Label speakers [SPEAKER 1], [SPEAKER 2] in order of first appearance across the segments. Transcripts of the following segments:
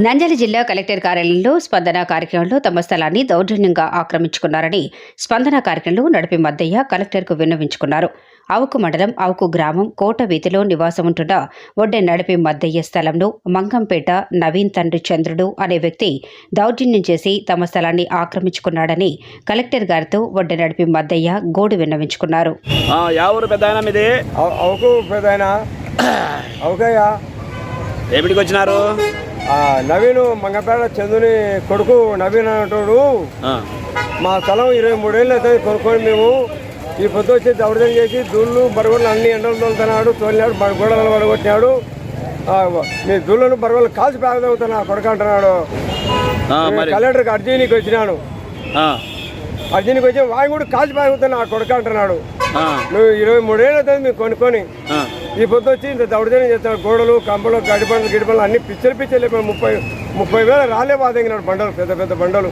[SPEAKER 1] నంద్యాల జిల్లా కలెక్టర్ కార్యాలయంలో స్పందన కార్యక్రమంలో తమ స్థలాన్ని దౌర్జన్యంగా ఆక్రమించుకున్నారని స్పందన కార్యక్రమంలో నడిపి మద్దయ్య కలెక్టర్కు విన్నవించుకున్నారు. అవుకు మండలం అవుకు గ్రామం కోట వీధిలో నివాసం ఉంటున్న ఒడ్డె నడిపి మద్దయ్య స్థలంలో మంగంపేట నవీన్ తండ్రి చంద్రుడు అనే వ్యక్తి దౌర్జన్యం చేసి తమ స్థలాన్ని ఆక్రమించుకున్నాడని కలెక్టర్ గారితో ఒడ్డె నడిపి మద్దయ్య గోడు విన్నవించుకున్నారు.
[SPEAKER 2] ఏమిటికి వచ్చినారు?
[SPEAKER 3] నవీన్ మంగపేట చందుని కొడుకు నవీన్ అంటాడు. మా స్థలం 23 ఏళ్ళు అవుతుంది కొనుక్కొని. మేము ఈ పొద్దు వచ్చి దౌర్జన్యం చేసి దూళ్ళు బరగొడలు అన్ని ఎండలు తోలుతున్నాడు, తోలినాడు, గోడలను పడగొట్టినాడు. మీ దూళ్ళను బరగొడలు కాల్చి పేదవుతున్నా కొడుకు అంటున్నాడు. కలెక్టర్కి అర్జీనికి వచ్చినాను. అర్జీనికి వచ్చి వాయి కూడా కాల్చి పేదవుతున్నా కొడుకు అంటున్నాడు. నువ్వు 23 ఏళ్ళు అవుతుంది మేము కొనుక్కొని. ఈ పొద్దు వచ్చి ఇంత దౌర్జన్యం చేస్తాడు. గోడలు కంపలు గిడిపండ్లు అన్ని పిచ్చలు 30,000 రాలే బాధగినాడు. బండలు పెద్ద పెద్ద బండలు.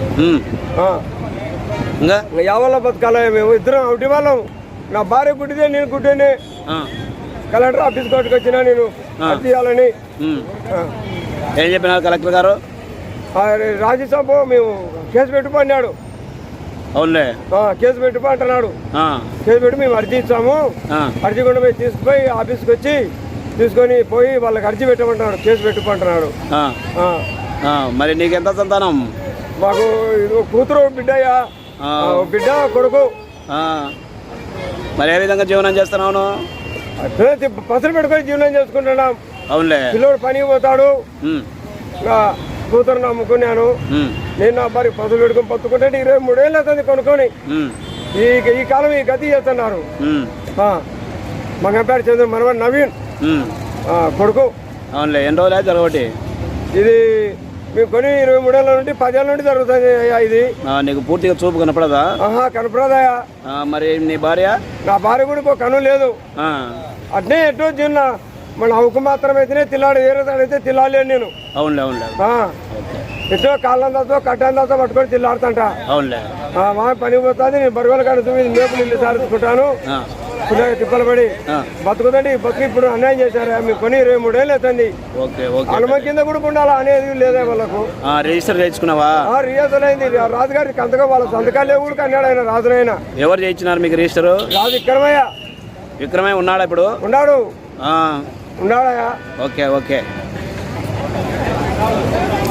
[SPEAKER 3] యావల్ల బతకాల మేము ఇద్దరం ఒకటి వాళ్ళం. నా భార్య గుడ్డిదే, నేను గుడ్డేనే. కలెక్టర్ ఆఫీస్ కోర్టుకు వచ్చినా నేను తీయాలని.
[SPEAKER 2] ఏం చెప్పినారు కలెక్టర్ గారు?
[SPEAKER 3] రాజ్యసభ మేము కేసు పెట్టుకున్నాడు.
[SPEAKER 2] అవునులే,
[SPEAKER 3] కేసు పెట్టుకో అంటున్నాడు. కేసు పెట్టి మేము అర్జీ ఇచ్చాము. అర్జీ కూడా పోయి తీసుకుపోయి ఆఫీస్కి వచ్చి తీసుకొని పోయి వాళ్ళకి అర్జీ పెట్టమంటున్నాడు. కేసు పెట్టుకుంటున్నాడు.
[SPEAKER 2] మరి నీకెంత సంతానం?
[SPEAKER 3] మాకు కూతురు బిడ్డయ్యా, బిడ్డ కొడుకు.
[SPEAKER 2] మరి ఏ విధంగా జీవనం చేస్తున్నావు?
[SPEAKER 3] పసలు పెట్టుకొని జీవనం చేసుకుంటున్నాం.
[SPEAKER 2] అవునులే,
[SPEAKER 3] పిల్లోడు పనికి పోతాడు. కూతురు నమ్ముకున్నాను. నేను నా భార్య పసులు పెట్టుకుని పత్తుకుంటే 23 ఏళ్ళు అవుతుంది కొనుక్కొని. ఈ కాలం ఈ గతి చేస్తున్నారు. మంగపేట చంద్ర మనవాడు నవీన్ కొడుకు.
[SPEAKER 2] అవునులే, ఎన్ని రోజులు జరగబట్టి
[SPEAKER 3] ఇది మేము కొని 23 ఏళ్ళ నుండి 10 ఏళ్ళ నుండి జరుగుతుంది అయ్యా. ఇది
[SPEAKER 2] నీకు పూర్తిగా చూపు కనపడదా?
[SPEAKER 3] కనపడదయా.
[SPEAKER 2] మరి నీ భార్య? నా
[SPEAKER 3] భార్య కూడా ఒక కను లేదు. అట్నే ఎటో చిన్న మన అవుకు మాత్రమైతేనే తిల్లాడు, వేరే అయితే తిల్లాలేను నేను.
[SPEAKER 2] అవునులే అవునులే,
[SPEAKER 3] ఎటో కాళ్ళందాతో కట్టందాతో పట్టుకొని తిల్లాడుతుంట.
[SPEAKER 2] అవునులే,
[SPEAKER 3] మా పని పోతుంది. నేను బరువుల కాడ మేపులు ఇల్లు సారుకుంటాను. తిప్పలు పడి బతుకుతండి. బతుకు ఇప్పుడు అన్యాయం చేశారు. మేము కొని 23 ఏళ్ళు అవుతుంది. అనుమ కింద కూడా ఉండాలా అనేది లేదా వాళ్ళకు.
[SPEAKER 2] రిజిస్టర్ చేయించుకున్నావా?
[SPEAKER 3] రిజిస్టర్ అయింది. రాజుగారికి అంతగా వాళ్ళ సంతకాలు కూడా అన్నాడు ఆయన. రాజునైనా
[SPEAKER 2] ఎవరు చేయించినారు మీకు రిజిస్టర్?
[SPEAKER 3] రాజు విక్రమయ్య.
[SPEAKER 2] విక్రమయ్య ఉన్నాడా ఇప్పుడు?
[SPEAKER 3] ఉన్నాడు. ఉన్నాడా?
[SPEAKER 2] Okay okay.